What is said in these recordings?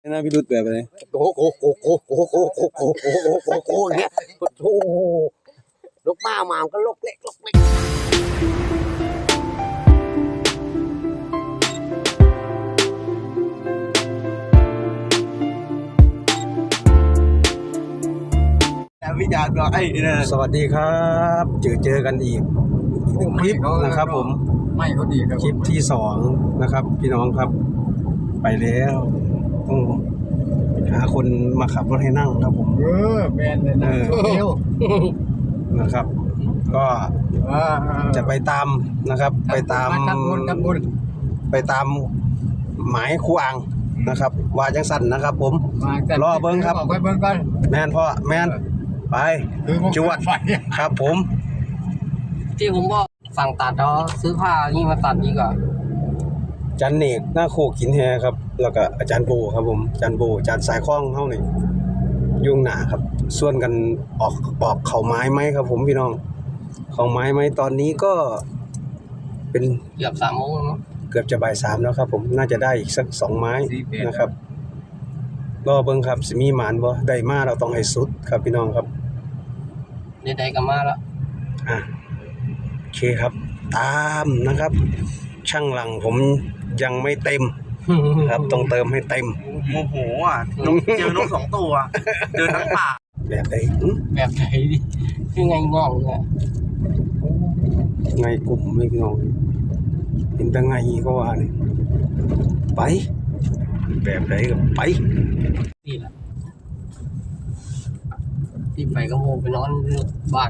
น่าพิรุธแบบอะไรโอ้โหโอ้โหโอ้โหโอ้โหโอ้โหโอ้โหเนี่ยโอ้โหลูกป้ามามันก็ลกเล็กลกเล็กวิจารณ์ก็ไอ้นี่นะสวัสดีครับเจอกันอีกหนึ่งคลิปนะครับผมไม่เขาดีครับคลิปที่สองนะครับพี่น้องครับไปแล้วต้องหาคนมาขับรถให้นั่งครับผมแมนเลยนะเร็วนะครับ ก็จะไปตามนะครับไปตามไปตามหมายครูอ่างนะครับว่าจังสั่นนะครับผมรอเบิ้งครับไปเบิ้งกันแมนพ่อแมนไปจวดครับผมที่ผมบอกสั่งตัดแล้วซื้อผ้านี่มาตัดดีกว่าจันเนกหน้าโคกินแฮครับแล้วก็อาจารย์โบครับผมอาจารย์โบอาจารย์สายคล้องเฮานี่ยุ่งหนาครับส่วนกันออกเข่าไม้ไหมครับผมพี่น้องเข่าไม้ไหมตอนนี้ก็เป็นเกือบ3 โมงแล้วเกือบจะบ่าย 3แล้วครับผมน่าจะได้อีกสัก2 ไม้นะครับรอเบิ่งครับสิมีหมานบ่ได้มาเราต้องให้สุดครับพี่น้องครับได้กันมาแล้วโอเคครับตามนะครับช่างหลังผมยังไม่เต็มครับต้องเติมให้เต็มโมโหอ่ะเจอนก2 ตัวเดินทั้งป่าแบบไหนแบบไหนดิคือไงงองเนี่ยไงกลุ่มไม่พี่น้องเห็นแต่ไงก็ว่าเนี่ยไปแบบไหนก็ไปนี่แหละที่ไปก็โมไปนอนบ้าน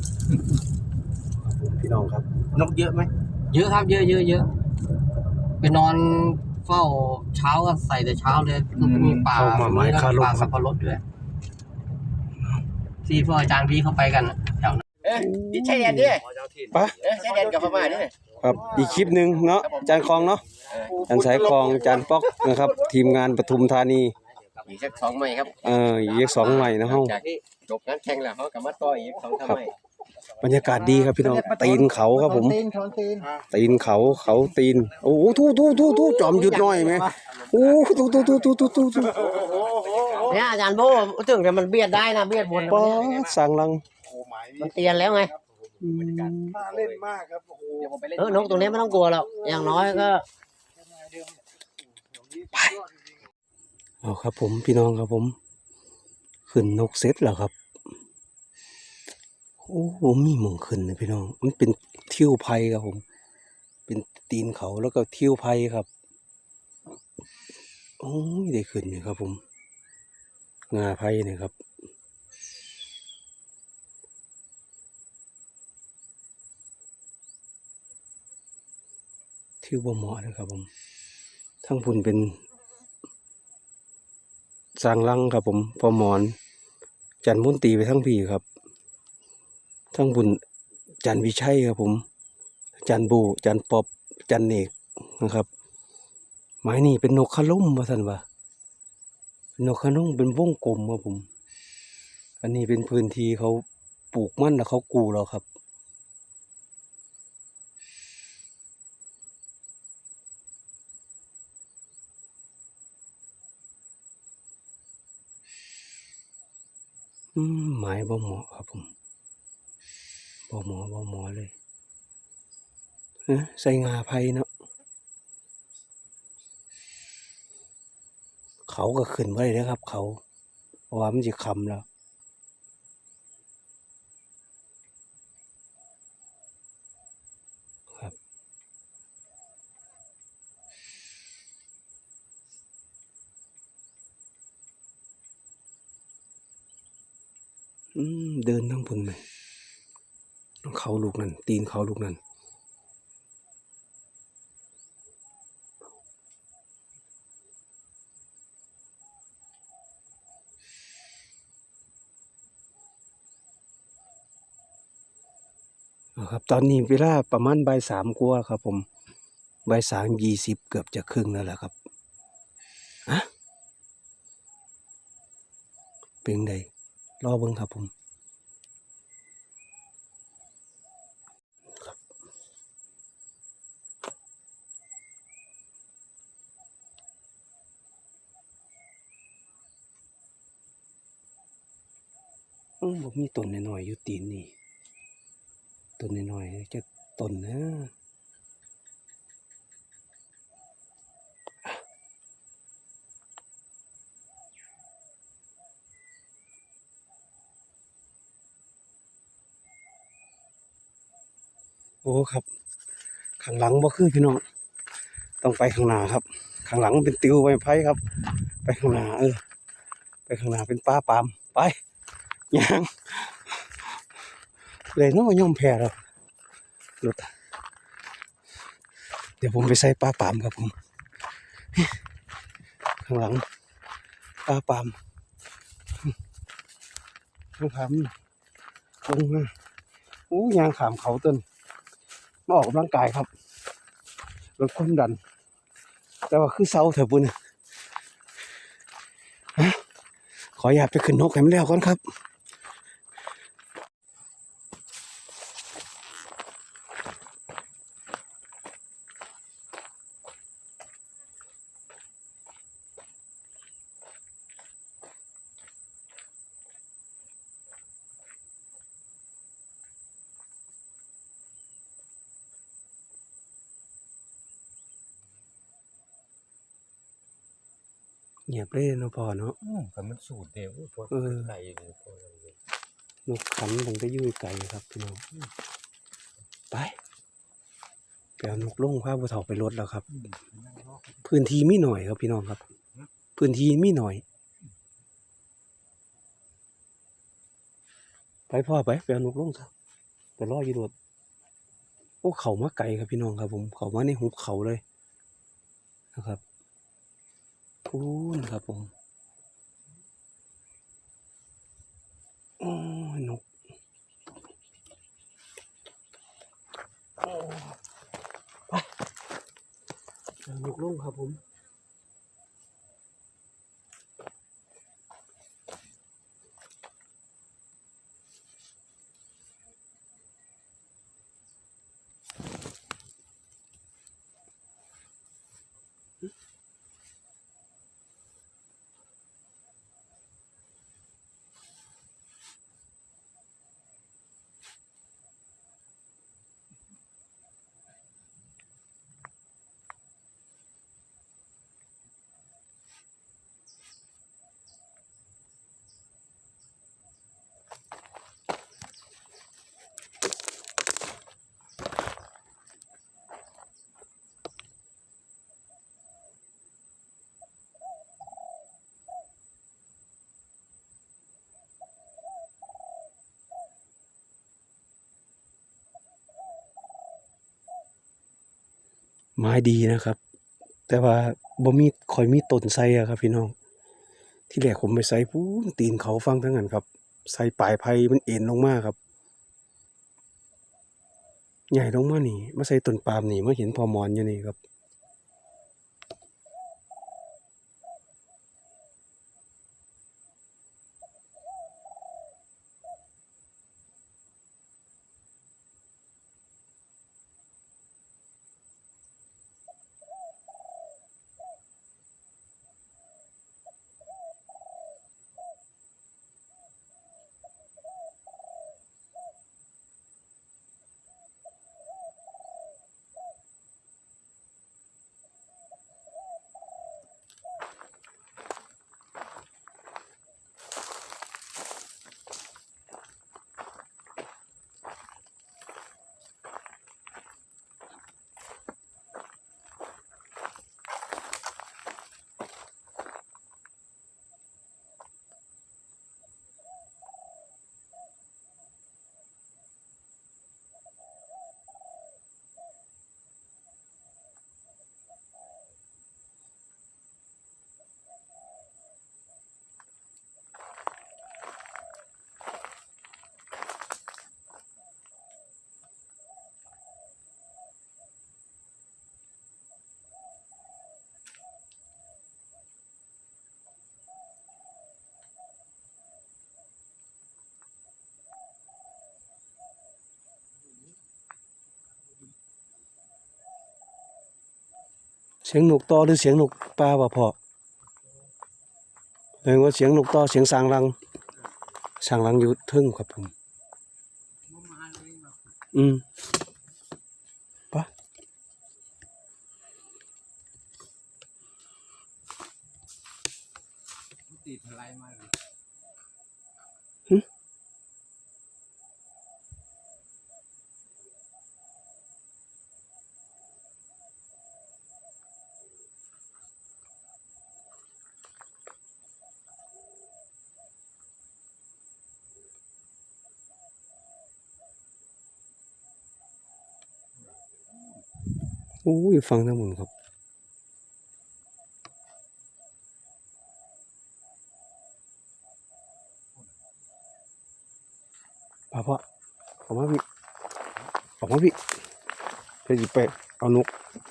พี่น้องครับนกเยอะไหมเยอะครับเยอะไปนอนเฝ้าเช้าก็ใส่แต่เช้าเลยมีป่าสับปะรดด้วยที่พวกอาจารย์พี่เข้าไปกันแถวนั้นดิใช่แดนดิปะใช่แดนกับพม่านี่ครับอีกคลิปหนึ่งเนาะจานคลองเนาะจานสายคลองจานป๊อกนะครับทีมงานปทุมธานีอีกสัก2 ใหม่ครับอีก2 ใหม่นะห้องจบงานแข่งแล้วเขากลับมาต่ออีก2 ใหม่บรรยากาศดีครับพี่น้องตีนเขาครับผมตีนเขาตีนโอ้โหทูจอมหยุดหน่อยไหมโอ้ทูเนี่ยอาจารย์โบถึงแต่มันเบียดได้นะเบียดบนป้าสั่งลังมันเตียนแล้วไงน่าเล่นมากครับโอ้โหนกตรงนี้ไม่ต้องกลัวหรอกอย่างน้อยก็ไปเอาครับผมพี่น้องครับผมขึ้นนกเซตแล้วครับโอ้โหมีหมองขึ้นนะพี่น้องมันเป็นเที่ยวไผ่ครับผมเป็นตีนเขาแล้วก็เที่ยวไผ่ครับโอ้ยได้ขึ้นเนี่ยครับผมงาไผ่เนี่ยครับเที่ยวบ่เหมาะเลยครับผมทั้งพุ่นเป็นสร้างลังครับผมพอหมอนจันมุนตีไปทั้งพี่ครับทั้งบุญจันวิชัยครับผมจันบูจันปอบจันเนกนะครับไม้นี่เป็นนกขลุ่มว่าท่านว่านกขลุ่มเป็นวงกลมครับผมอันนี้เป็นพื้นที่เขาปลูกมันแล้วเขากูเราครับไม้บ่เหมาะครับผมบ่เหมาะเลยใส่งาไผ่เนาะเขาก็ขึ้นไว้เลยครับเขาเพราะว่ามันจะคำแล้วครับเดินทั้งพุ่นไหมเขาลูกนั่นตีนเขาลูกนั่นครับตอนนี้เวลาประมาณบ่าย 3กว่าครับผมบ่าย 3:20เกือบจะครึ่งแล้วแหละครับเป็นไงรอเบิ่งครับผมบ่มีต้นน้อยๆอยู่ตีนนี่ต้นน้อยๆจะต้นนะโอ้ครับข้างหลังบ่คือพี่น้องต้องไปข้างหน้าครับข้างหลังเป็นติวไม้ไผ่ครับไปข้างหน้าไปข้างหน้าเป็นป่าปาล์มไปย่างเลยน้อยอมแพ้แล้วรถเดี๋ยวผมไปใส่ป่าปาล์มครับผมข้างหลังป่าปาล์มข้างผลงมาโอ้ยางขามเขาต้นมาออกกำลังกายครับลดความดันแต่ว่าคือเศร้าเถอะปุ่นขออยากไปขึ้นนกให้มันแล้วก่อนครับเงียบเลยเนาะพ่อเนาะแต่มันสูดเดียวพอไก่พอนกขันตั้งแต่อยู่ไกลครับพี่น้องไปเอานกลงพาผู้เฒ่าไปรถแล้วครับพื้นที่มีหน่อยครับพี่น้องครับพื้นที่มีหน่อยไปพ่อไปเอานกลงซะไปรออยู่รถโอ้เขามาไกลครับพี่น้องครับผมเขามาในหุบเขาเลยนะครับพูนครับผมโอ้ยนกโอ้ไปเอานกลงครับผมไม้ดีนะครับ แต่ว่าบ่มีค่อยมีต้นไทรอะครับพี่น้องที่แรกผมไปใส่พูนตีนเขาฟังทั้งนั้นครับใส่ปลายไผ่มันเอ็นลงมาครับใหญ่ลงมานี่มาใส่ต้นปาล์มนี่มาเห็นพอหมอนอยู่นี่ครับเสียงนกต่อหรือเสียงนกป่าวะพ่อเรียกว่าเสียงนกต่อเสียงสางรังช่างล้างอยู่เทึ่งครับผมปะตีพลายมาเลยโอ้ยฟังทั้งหมดครับพ่อออกมาพี่เพื่อจะไปเอานก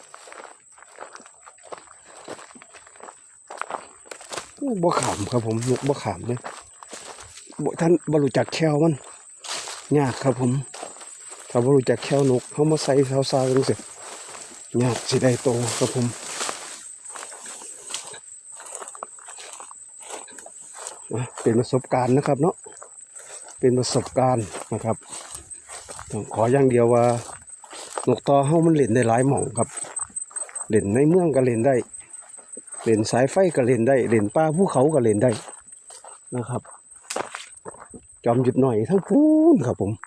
โอ้บ่ขามครับผมนกบ่ขามเลยบ่ท่านบ่รู้จักแควมันยากครับผมถ้าบ่รู้จักแคนกเขามาใส่ซาวๆจังซี่ยากสิได้โตครับผมเป็นประสบการณ์นะครับเนาะเป็นประสบการณ์นะครับต้องขออย่างเดียวว่านกต่อเฮามันเล่นได้หลายหม่องครับเล่นในเมืองก็เล่นได้เล่นสายไฟก็เล่นได้เล่นป่าภูเขาก็เล่นได้นะครับจอมหยุดหน่อยทั้งพูนครับผม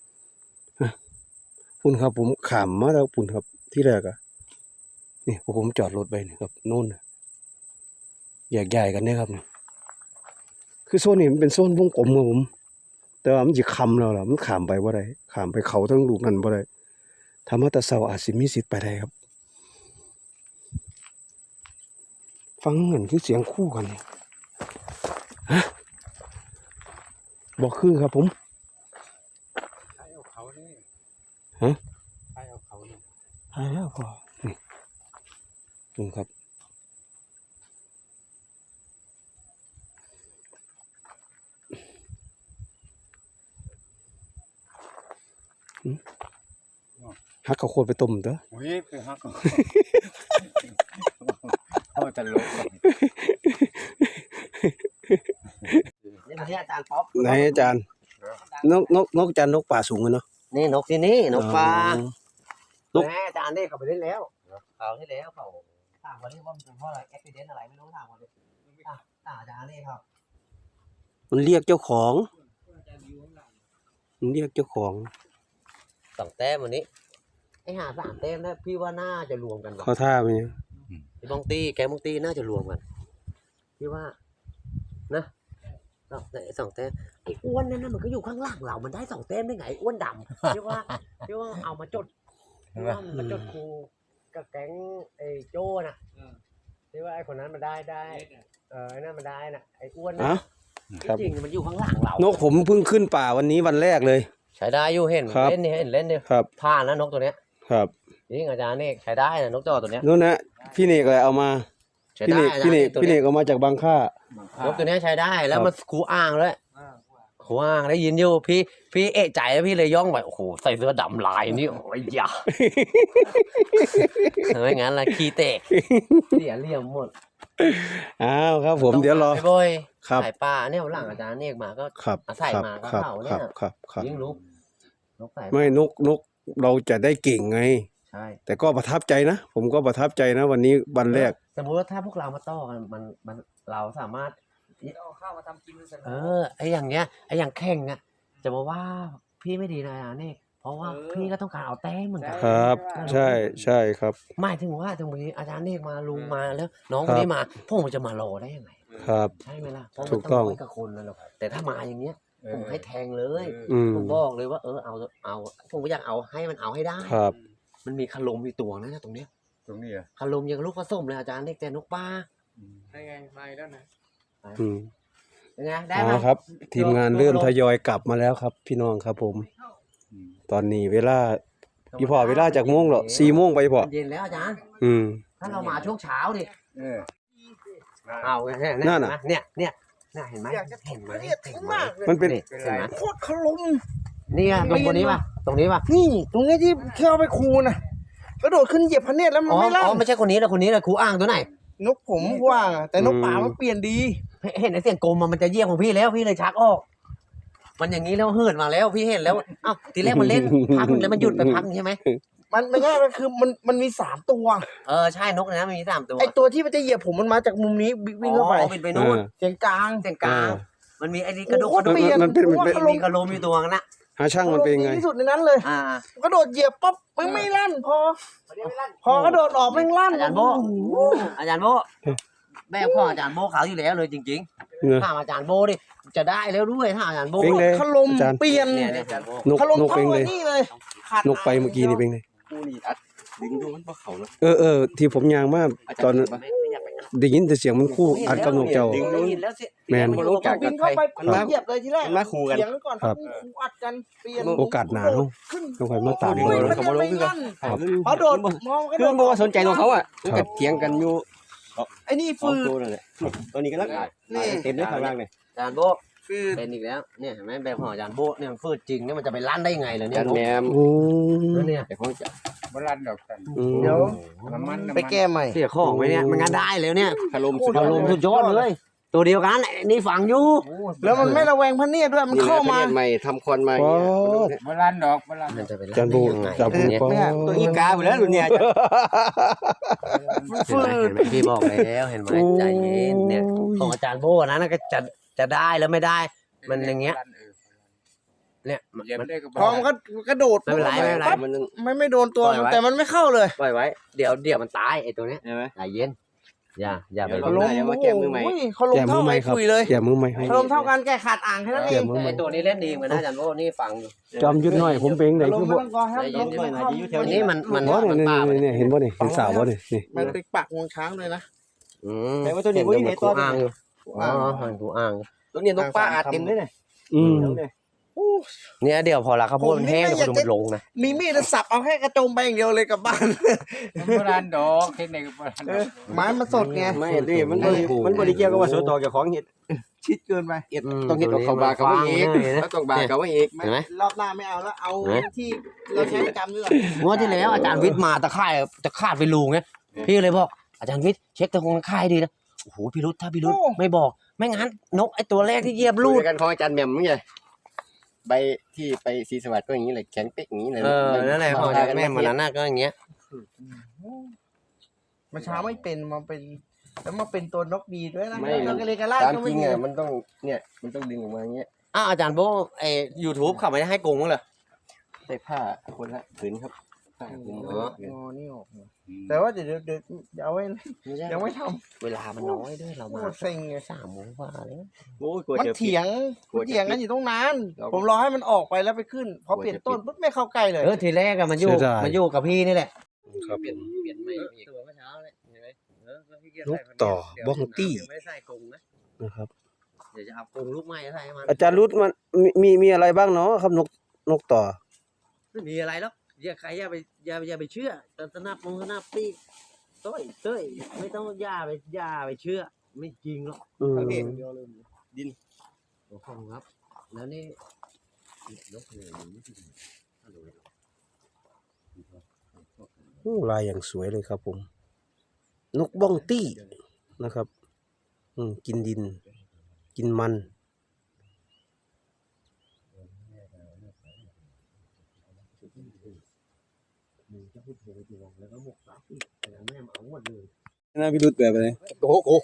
ปุ่นครับผมขามมาแล้วปุ่นครับที่แรกอะนี่ผมจอดรถไปนี่ครับโน่นแยกย้ายกันเนี่ยครับนี่คือโซนนี้มันเป็นโซนวงกลมครับผมแต่ว่ามันจะคำแล้วล่ะมันขามไปว่าไรขามไปเขาทั้งลูกนั่นว่าไรธรรมะตะเสาอาจสิมีสิทธิ์ไปได้ครับฟังเหมือนคือเสียงคู่กันเนี่ยฮะบอกคือครับผมใครเอาเขาเนี่ยฮะใครเอาเขาเนี่ยหายแล้วพอนี่ครับฮักข้าวโพดไปต้มเด้อโอ้ยไปฮักเขาเขาจะลบนี่มาที่อาจารย์ป๊อปไหนอาจารย์นกอาจารย์นกป่าสูงเลยเนาะนี่นกที่นี่นกปลานกแม่อาจารย์นี่เขาไปเล่นแล้วเขาที่แล้วเขาถามวันนี้ว่ามันเป็นเพราะอะไรแอคซิเดนต์อะไรไม่รู้ถามวันนี้อาจารย์นี่ครับมันเรียกเจ้าของมันเรียกเจ้าของ 2 แต้มวันนี้ไอ้หา3 แต้มนะพี่ว่าน่าจะรวมกันว่ะเขาท่าไปเนี่ยไอ้บองตีแกมองตีน่าจะรวมกันพี่ว่านะ2 แต้มไอ้อ้วนนั่นนะมันก็อยู่ข้างล่างเรามันได้2 แต้มได้ไงอ้วนดำพี่ว่าเอามาจดพี่ว่ามันจดครูกับแก๊งไอ้โจ้น่ะพี่ว่าไอ้คนนั้นมันได้ไอ้นั่นมันได้น่ะไอ้อ้วนน่ะจริงมันอยู่ข้างล่างเรานกผมเพิ่งขึ้นป่าวันนี้วันแรกเลยใช้ได้อยู่เห็นครับเล่นนี่เห็นเล่นนี่ครับผ่านนะนกตัวเนี้ยครับจริงอาจารย์นี่ใช้ได้นะนกจอตัวเนี้ยนู่นนะพี่เนกเลยเอามาใช้พี่ได้เนกอาจารพี่เนกย์ตัวพี่เนเนี้ยกเอามาจากบางค่านกตัวเนี้ยใช้ได้แล้วครับมันครูอ้างด้วยครูอ้างได้ยินอยู่พี่เอะใจแล้วพี่เลยย่องไปโอ้โหใส่เสื้อดำลายนี่โอ้ยอย่าไม่งั้นละขี้เตะเสียเหลี่ยมหมดอ้าวครับผมเดี๋ยวรอไปบ่อยครับสายป่าเนี่ยหลังอาจารย์เนี่ยมาก็ครับอาศัยครับมาก็ครับเข้าคเนี่รัยบครับครับยิ่งรู้นกสายไม่นกเราจะได้เก่งไงใช่แต่ก็ประทับใจนะผมก็ประทับใจนะวันนี้วันแรกสมมุติว่าถ้าพวกเรามาต่อกันมันเราสามารถเอาข้าวมาทำกินเสร็จไอ้อย่างเงี้ยไอ้อย่างแข่งอ่ะจะมาว่าพี่ไม่ดีนะนี่เพราะว่าพี่ก็ต้องการเอาแต้มเหมือนกันครับ ใช่ใช่ครับหมายถึงว่าตรงนี้อาจารย์นี่มาลุงมาแล้ว น้องคนนี้มาพวกผมจะมารอได้ยังไงครับใช่ไหมล่ะเพราะถูมันกต้ต้ออง งร้อยกับคนนะหรอกแต่ถ้ามาอย่างเงี้ยผมให้แทงเลยอืมผมบอกเลยว่าเอาผมก็อยากเอาให้มันเอาให้ได้ครับมันมีคารมมีตัวนะตรงเนี้ยตรงนี้อ่ะคารมยังลูกผสมเลยอาจารย์นี่แต่นกป้าได้ไงมาแล้วนะอืมเป็นไงได้อ๋ไหมอครับ ทีมงานเริ่มทยอยกลับมาแล้วครับ พี่น้องครับผม ตอนนี้เวลาพี่พ่อเวลาจากโมงเหรอ4 โมงไปพ่อเย็นแล้วอาจารย์อืมถ้าเรามาช่วงเช้าดิเออเอาเนี่ยนั่นน่ะเนี่ยเห็นไหมเห็นไหมมันเป็นเห็นไหมโคตรขลุมนี่ไงตรงนี้ป่ะตรงนี้ป่ะนี่ตรงนี้ที่เที่ยวไปคูน่ะกระโดดขึ้นเหยียบพระเนตรแล้วมันอ๋อไม่ลั่นไม่ใช่คนนี้นะคนนี้นะครูอ้างตัวไหนนกผมว่างอะแต่นกป่ามันเปลี่ยนดีเห็นไอ้เสียงกลมมันจะเยี่ยมของพี่แล้วพี่เลยชักออกมันอย่างนี้แล้วเหินมาแล้วพี่เห็นแล้วเอ้าทีแรกมันเล่นพักนึงแล้วมันหยุดไปพักนึงใช่ไหมมันไม่ใช่มันคือมันมี3 ตัวใช่นกนะมันมี3 ตัวไอตัวที่มันจะเหยียบผมมันมาจากมุมนี้วิ่งเข้าไปบินไปนู่นเสียงกลางเส้นกลางมันมีไอ้นี่กระโดดโอ้โหเปลี่ยนมันเป็นมีกระโลมอยู่ตัวนึงนะหาช่างมันเป็นไงที่สุดในนั้นเลย กระโดดเหยียบปั๊บมันไม่ลั่นพอกระโดดออกไม่ลั่นอาจารย์โบอาจารย์โบแบบพ่ออาจารย์โบเขาอยู่แล้วเลยจริงเนอะๆถ้าอาจารย์โบดิจะได้แล้วด้วยถ้าอาจารย์โบเป็นไงขลมอาจารย์เปลี่ยนเนี่ยอาจารย์โบนกขลมนกเป็นเท่าไงไอ้นี่เลยขาดนกไปเมื่อกี้นี่เป็นไงกูนี่อัดดึงดูมันบ่เขาเนาะที่ผมยางมากตอนได้ยินแต่เสียงมันคู่อัดกับนกเจ้า แมนบ่รู้จักบิกันนเข้าไปมันมาเหยียบเลยทีแรกมันมาคู่กันเสียงก่อนครับคู่อัดกันเปลี่ยนโอกาสหนาเนาะขึ้นต้องคอยมาตามโอ้อุ้ยยมันยังไม่ลั่นครับพอโดดมองกระคือโดมันดบ่ว่าสนใจของเขาอ่ะมันก็เถียงกันอยู่ไอ้นี่สองฟืดตัวนั่นแหละตัวนี้ก็ลักเต็มเลยข้างล่างเลยอาจารย์โบฟืดเป็นอีกแล้วเนี่ยเห็นไหมแบบของอาจารย์โบเนี่ยมันฟืดจริงเนี่ยมันจะไปลั่นได้ยังไงล่ะเนี่จัยนแหนมโอ้เนี่ยแต่ของจะบรันดอกกันอืมเดี๋ยวน้ำมันไปแก้ใหม่เสียของไปเนี่ยมันงานได้แล้วเนี่ยถล่มสุดอารมณ์สุดยอดเลย ตัวเดียวกันไอ้นี่ฝังอยู่แล้วมันไม่ระแวงพระเนียดด้วยมันเข้ามาใหม่ทำควันมาป๊อดบรันดอกบรันมันจะไปลั่นจันบูได้ยังไงจันบูเนี่ยป๊อดตัวอีกาไปแล้วรุ่นเนี่ยเห็นไหมเห็นไหมพี่บอกแล้วเห็นไหมใจเย็นเนี่ยของอาจารย์โบนะก็จะได้แล้วไม่ได้ มันอย่างเงี้ยเนี่ยมันเหยียบได้ก็พอมันก็กระโดดไม่เป็นไรไม่เป็นไรปั๊บมันไม่โดนตัวปล่อยไว้แต่มันไม่เข้าเลยปล่อยไว้เดี๋ยวมันตายไอ้ตัวเนี้ยใช่ไหมใจเย็นอย่าไปเดี๋ยวลลงง มาแก้มือใหม่โอ้ยเขาลงแก้มืเท่าอใหไม้ม่ครับคุยเลยแก้มือใหม่ให้เขาลงเท่ากันแก่ขาดอ่างแค่นั้นเอแก้งมือใหม่ไอ้ตัวนี้เล่นดีเหมือนกันนะอาจารย์โบนี่ฟังอยู่จอมยุดหน่อยผมเป็นไหนลคืงอไม่บ่ต้องกอครับลงใจเย็นๆหน่อยนะอยู่แถวอันนี้มันบ่มันเนี่ยป่าไปเนี่ยเห็นบ่เนี่ยเห็นสาวบ่เนี่ยนี่มันไปปักงวงช้างเลยนะแต่ว่าตัวนี้บ่ได้เห็เห็นนตัตัว วอ่างอยู่อ๋อกูอ่างตัวนี้นกป้าอัดเต็มเลยเนี่ยอืมเนี่ยเดี๋ยวพอละข้าวโพดมันแห้งเดี๋ยวมันลงนะมีมีดสับเอาแค่กระโจมไปอย่างเดียวเลยกลับบ้านบรันดอกเทคนิคบรันดอกไม้มันสดไงไม่ดิมันบ่ได้เกี่ยวกับว่าสวนต่อกับของเห็ดชิดเกินไปเห็ดต้องเห็ดเอาเข้าบาเข้าไว้อีกแล้วต้องบาเข้าไว้อีกเห็นไหมรอบหน้าไม่เอาแล้วเอาที่เราใช้ประจำนี่แหละงวดที่แล้วอาจารย์วิทย์มาตะข่ายจะคาดไปรูไงพี่เลยบอกอาจารย์วิทย์เช็คตะคงตะข่ายดีนะโอ้โหพี่รุธถ้าพี่รุธไม่บอกไม่งั้นนกไอ้ตัวแรกที่เหยียบรูลูดดกันของอาจารย์แหม่มไงใบที่ไปศรีสวัสดิ์ก็อย่างนี้เลยแข็งเป๊กอย่างนี้เลยนั่นแหละของอาจารย์แม่มันน่ะก็อย่างเงี้ยมาเช้าไม่เป็นมาเป็นแล้วมาเป็นตัวนกดีด้วยนะแล้วก็เลยกระลาดตามก็จไม่ริงมีอ่ะมันต้องเนี่ยมันต้องดึงออกมาอย่างเงี้ยอาจารย์โบไอ้ YouTube เขาไม่ได้ให้โกงมั้งเหรอใส่ผ้าคนละผืนครับผ้าผืนอ๋อนี่ออกแต่ว่าเดี๋ยวเอาไว้ไม่ใช่ยังไม่ทเวลามันน้อยด้วยเราำโคมาตรเซ็งไง 3 โมงกว่าเลยโอ้ยกลัวมันจะเถียงกันอยู่ตรงนั้นผมรอให้มันออกไปแล้วไปขึ้นพอเปลี่ยนต้นปุ๊บไม่เข้าใกล้เลยทีแรกอะมันอยู่กับพี่นี่แหละครับเปลี่ยนไม่อีกตัวเมื่อเช้าเลยเห็นไหมนกต่อบ้องตี้ไม่ได้ใส่กรงนะนะครับเดี๋ยวจะเอากรงลูกไม้ใส่ให้มันอาจารย์รุดมันมีอะไรบ้างเนาะครับนกต่อไม่มีอะไรหรอกใครอย่าไปเชื่อแต่สนับปีกเต้ยไม่ต้องอย่าไปเชื่อ ไม่จริงหรอกอืมโอ้โหครับ แล้วนี่นกเลยโอ้ลายอย่างสวยเลยครับผม นกบ้องตี้นะครับ กินดิน กินมัน น่าพิรุธแบบอะไรโอ้โห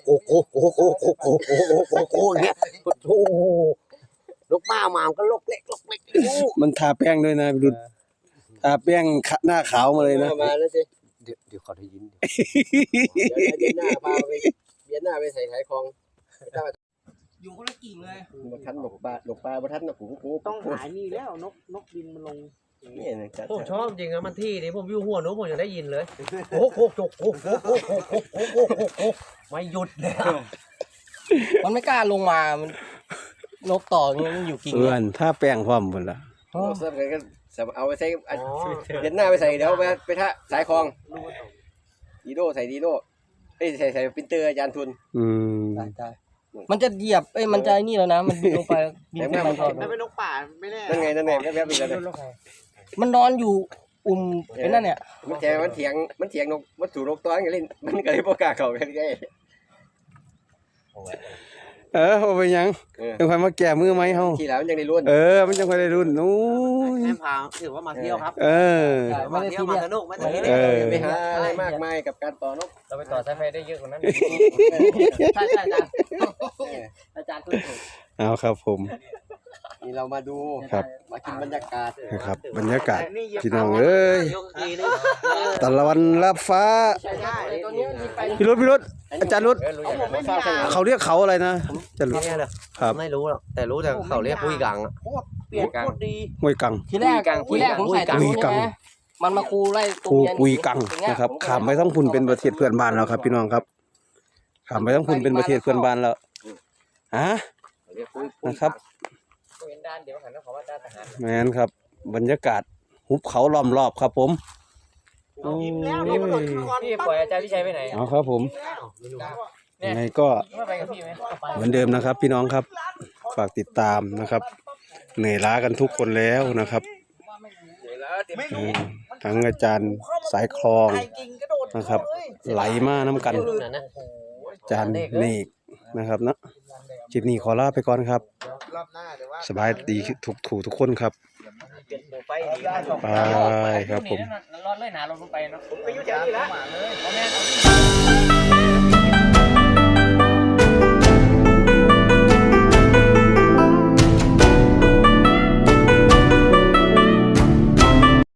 เนี่ยโอ้นกป้ามามันก็ลกเล็กมันทาแป้งด้วยนะพิรุธทาแป้งหน้าขาวมาเลยนะมาแล้วสิเดี๋ยวขอได้ยินเดี๋ยวหน้าพาไปเบียนหน้าไปใส่ขายของอยู่คนละกิ่งเลยบ่ทันดอกปลบ่ทันดอกหูต้องหายนี่แล้วนกบินมันลงนี่นะจัดผมชอบจริงนะมันที่นี่ผมอยู่หัวนู้นผมจะได้ยินเลยโอ้โหไม่หยุดเลยมันไม่กล้าลงมามันนกต่อเงี้ยมันอยู่กิ่งเอื้อนถ้าแป้งพร้อมหมดละเสื้อกันก็เอาไปใส่เบียนหน้าไปใส่เดี๋ยวไปท่าสายคลองดีโดใส่ดีโดใส่ปรินเตอร์อาจารย์ทุนอืมมันจะเหยียบมันจะนี่แล้วนะ มันบินลงไปบินขึ้นไปก่อนถ้าเป็นนกป่าไม่แน่นั่นไงแวบๆอีกแล้วมันนอนอยู่ไอ้นั่นเนี่ยมันเถียงนกมันสู่นกตัวกันเล่นมันก็เลยบ่กล้าเข้ากันไงบ่เป็นหยังเออจังค่อยมาแก้มือไหมเฮาขี่แล้วมันยังได้รุ่นมันจังค่อยได้รุ่นโอ้ยแม่พาถือว่ามาเที่ยวครับ มาเที่ยวมาสนุกไม่ต้องเออไปหาอะไรมากมายกับการต่อนกเราไปต่อสายไฟได้เยอะกว่านั้นใช่อาจารย์อาจารย์พูดถูกเอาครับผมนี่เรามาดูครับมากินบรรยากาศนะครับบรรยากาศพี่น้องเอ้ยยกทีนึงตะวันรับฟ้าตัวนี้มันไปพี่รุดอาจารย์รุดไม่ทราบใช่ไหมเขาเรียกเขาอะไรนะอาจารย์รุดเนี่ยเลยครับไม่รู้หรอกแต่รู้แต่เขาเรียกปุ้ยกังอะเปลี่ยนโคตรดีห้วยกังทีแรกผมใส่ตัวนี้ใช่ไหมมันมาคูไล่ตัวกูเมียกุยกังนะครับขามไปทั้งพุ่นเป็นประเทศเพื่อนบ้านแล้วครับ พี่น้องครับขามไปทั้งพุ่นเป็นประเทศเพื่อนบ้านแล้วนะครับเห็นด้านเดียวหันแล้วเขาว่าด้านทหารแม่นครับ บรรยากาศหุบเขาล้อมรอบครับผมโอ้ยิ้มแล้วนี่มันโดดขึ้นก่อนพี่ปล่อยอาจารย์วิชัยไปไหนเอาครับผมยังไงก็ไม่ไปกับพี่ไหมเหมือนเดิมนะครับ พี่น้องครับฝากติดตามนะครับเหนื่อยล้ากันทุกคนแล้วนะครับไม่รู้ทั้งอาจารย์สายคลองไอ้กิ่งกระโดดนะครับ ไหลมาน้ำกันนั่นนะอาจารย์เนกนะครับเนาะคลิปนี้ขอลาไปก่อนครับรอบหน้าเดี๋ยวว่าสบายดีทุกคนครับไปดีนะไปครับผมรอดเลยหนาลงไปเนาะไปอยู่แถวนี้ละเพราะแม่